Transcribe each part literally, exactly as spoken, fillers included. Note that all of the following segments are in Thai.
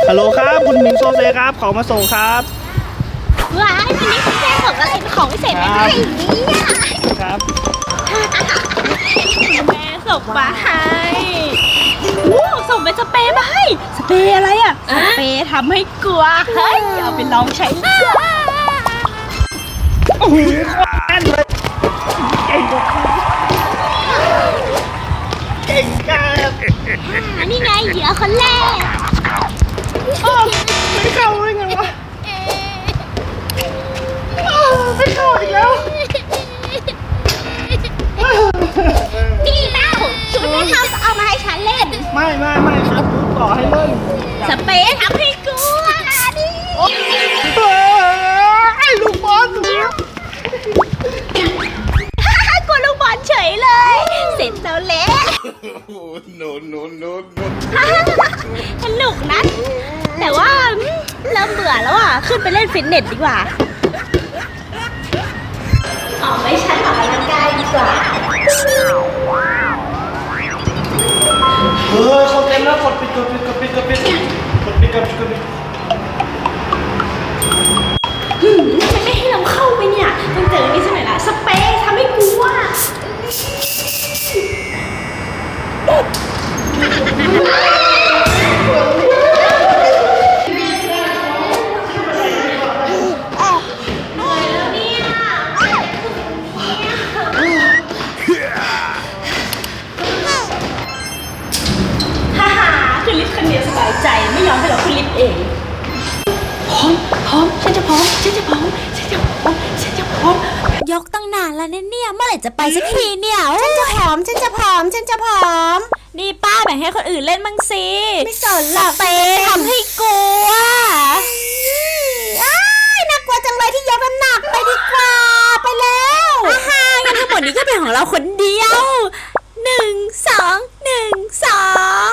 ฮัลโหลครับคุณมิงโซเซครับของมาส่งครับว้ายวันนี้คุณแม่ส่งอะไรของพิเศษมาให้เนี่ยครับคุณแม่ส่งมาให้โอ้ส่งเป็นสเปรย์มาให้สเปรย์อะไรอ่ะสเปรย์ทำให้กลัวเฮ้ยเอาไปลองใช้ดูโอ้โหแน่นเลยเก่งเก่งครับนี่ไงเหยื่อคนแรกไม่เข้าได้ไงวะไม่เข้าอีกแล้วนี่เต้าคุณแม่ทำเอามาให้ฉันเล่นไม่ไม่ไม่ครับต่อให้เล่นสเปรย์ทำให้กลัวดิไอ้ลูกบอลกลัวลูกบอลเฉยเลยเสร็จแล้วแหละโนโนโนโนสนุกนะแต่ว่าเริ่มเบื่อแล้วอ่ะขึ้นไปเล่นฟิตเนสดีกว่าออกไปชั้นออกกำลังกายดีกว่าเออเขาเต็มแล้วกดปิดกดปิดกดปิดกดปิดกดปิดกดปิดกดปิดมันไม่ให้เราเข้าไปเนี่ยต้องเจอนี่สักหน่อยละสเปรย์ทำให้กลัวใจไม่ยอมให้เราขึ้นลิฟต์เองพร้อมพร้อมฉันจะพร้อมฉันจะพร้อมฉันจะพร้อมฉันจะพร้อมยกตั้งนานแล้วเนี่ยเมื่อไหร่จะไปสักทีเนี่ยฉันจะพร้อมฉันจะพร้อมฉันจะพร้อมนี่ป้าแบ่งให้คนอื่นเล่นบ้างสิไม่สนหรอกเต้ทำให้กลัวอ้ายน่ากลัวจังเลยที่ยกน้ำหนักไปดีกว่าไปแล้วอาฮางั้นทั้งหมดนี้ก็เป็นของเราคนเดียวหนึ่งสองหนึ่งสอง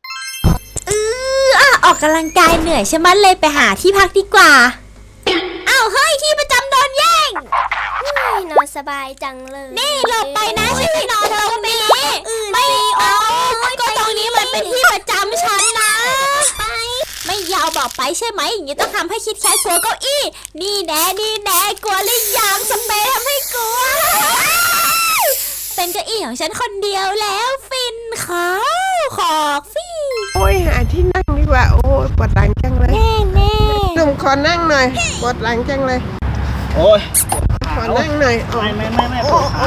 ออกกำลังกายเหนื่อยใช่ไหมเลยไปหาที่พักดีกว่าอ้าวเฮ้ยที่ประจำโดนแย่งนอนสบายจังเลยนี่หลบไปนะฉันไม่นอนตรงนี้ไม่โอ้ก็ตรงนี้มันเป็นที่ประจำฉันนะไม่ยาวบอกไปใช่ไหมอย่างนี้ต้องทำให้คิดแค่กลัวเก้าอี้นี่แน่นี่แน่กลัวหรือยังสเปรย์ทำให้กลัวเป็นเก้าอี้ของฉันคนเดียวแล้วฟินเขาขอกฟี่โอ้ยหาที่นั่งดีกว่าโอ้ยปวดหลังจังเลยแน่แน่หนุ่มขอนั่งหน่อยปวดหลังจังเลยโอ้ยขอนั่งหน่อยไม่ไม่ไม่ไม่ปวดขา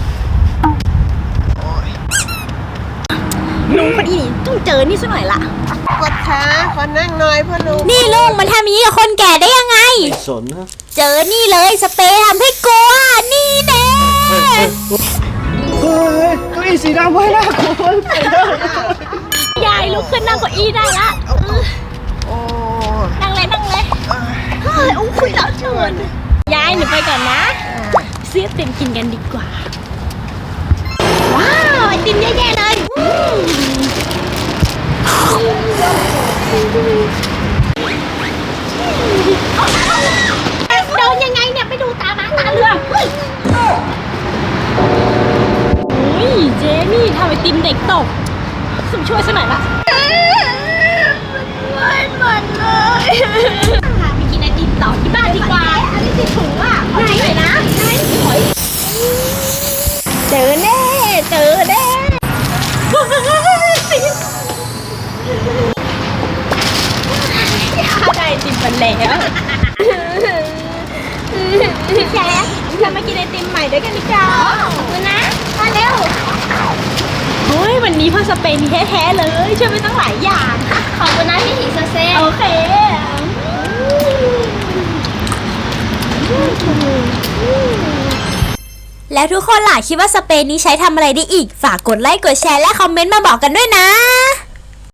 ลุงพอดีต้องเจอนี่สักหน่อยละปวดขาขอนั่งหน่อยพ่อลุงนี่ลุงมันทำอย่างนี้กับคนแก่ได้ยังไงสนนะเจอนี่เลยสเปรย์ทำให้กลัวนี่แน่เฮ้ยเก้าอี้สีดำไว้นะคุณยายลุกขึ้นนั่งเก้าอี้ได้ละนั่งเลยนั่งเลยเฮ้ยอุ้ยแล้วเชิญยายหนูไปก่อนนะซื้อไอติมกินกันดีกว่าว้าวไอติมเยอะแยะเลยโดนยังไงเนี่ยไปดูตามาตาเรือเฮ้ยเจนี่ทำไอติมเด็กตกสุ่มช่วยสักหน่อยละไม่หมดเลยไปกินไอติมต่อที่บ้านดีกว่าอันนี้ติดถุงอ่ะไหนไหนนะไหนหอยเจอแน่เจอแน่ได้ไอติมมาแล้วพี่แจ๊คจะมากินไอติมใหม่ด้วยกันดีกว่าขอบคุณนะมาเร็วเฮ้ยวันนี้พ่อสเปนมีแท้ๆเลยช่วยไปตั้งหลายอย่างขอบคุณนะพี่หิงเซ่โอเคแล้วทุกคนล่ะคิดว่าสเปรย์นี้ใช้ทำอะไรได้อีกฝากกดไลค์กดแชร์และคอมเมนต์มาบอกกันด้วยนะ